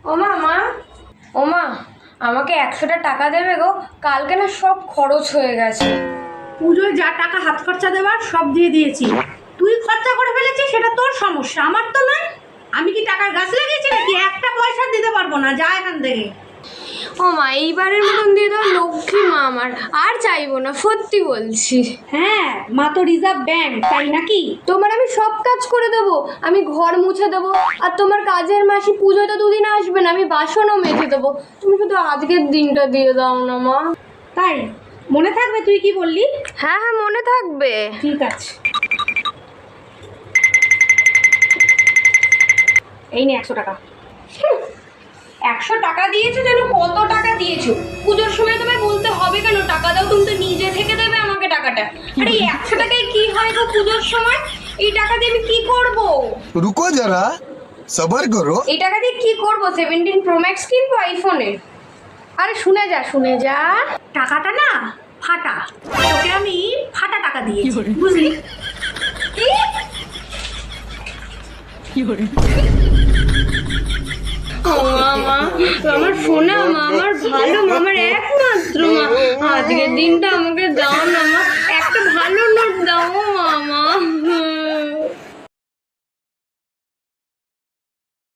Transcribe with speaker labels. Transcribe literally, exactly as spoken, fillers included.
Speaker 1: ওমা মা, ওমা আমাকে একশোটা টাকা দেবে গো, কালকে না সব খরচ হয়ে গেছে।
Speaker 2: পুজোয় যা টাকা হাত খরচা দেওয়ার সব দিয়ে দিয়েছি। তুই খরচা করে ফেলেছিস, সেটা তোর সমস্যা, আমার তো নয়। আমি কি টাকার গাছ লাগিয়েছি নাকি? একটা পয়সা দিতে পারবো না, যা এখান থেকে।
Speaker 1: ও মা, এইবারের মতন দিয়ে দাও, লক্ষ্মী মা আমার, আর চাইবো না, সত্যি বলছি।
Speaker 2: হ্যাঁ, মা তো রিজার্ভ ব্যাংক, তাই নাকি?
Speaker 1: তোমার আমি সব কাজ করে দেবো, আমি ঘর মুছে দেবো, আর তোমার কাজের মাসি পুজোয় তো দুদিন আসবে না, আমি বাসনও মেজে দেবো। তুমি শুধু আজকের দিনটা দিয়ে দাও না মা।
Speaker 2: তাই মনে থাকবে তুই কি বললি?
Speaker 1: হ্যাঁ হ্যাঁ, মনে থাকবে।
Speaker 2: ঠিক আছে, এই নে একশো টাকা।
Speaker 1: একশো টাকা দিয়েছো যেন কত টাকা দিয়েছো? পুজোর সময় তোমায় বলতে হবে কেন টাকা দাও? তুমি তো নিজে থেকে দেবে আমাকে টাকাটা। আরে এই একশো টাকায় কি হয় গো পুজোর সময়? এই টাকা দিয়ে আমি কি করব?
Speaker 3: रुको जरा सबर करो।
Speaker 1: এই টাকা দিয়ে কি করব? সেভেন্টিন প্রো ম্যাক্স কিনবো আইফোনের।
Speaker 2: আরে শুনে যা শুনে যা, টাকাটা না ফাটা, তোকে আমি ফাটা টাকা দিয়েছি, বুঝলি?
Speaker 1: মা, মা, আমার সোনা মা, আমার ভালো মা, আমার একমাত্র মা, আজকের দিনটা আমাকে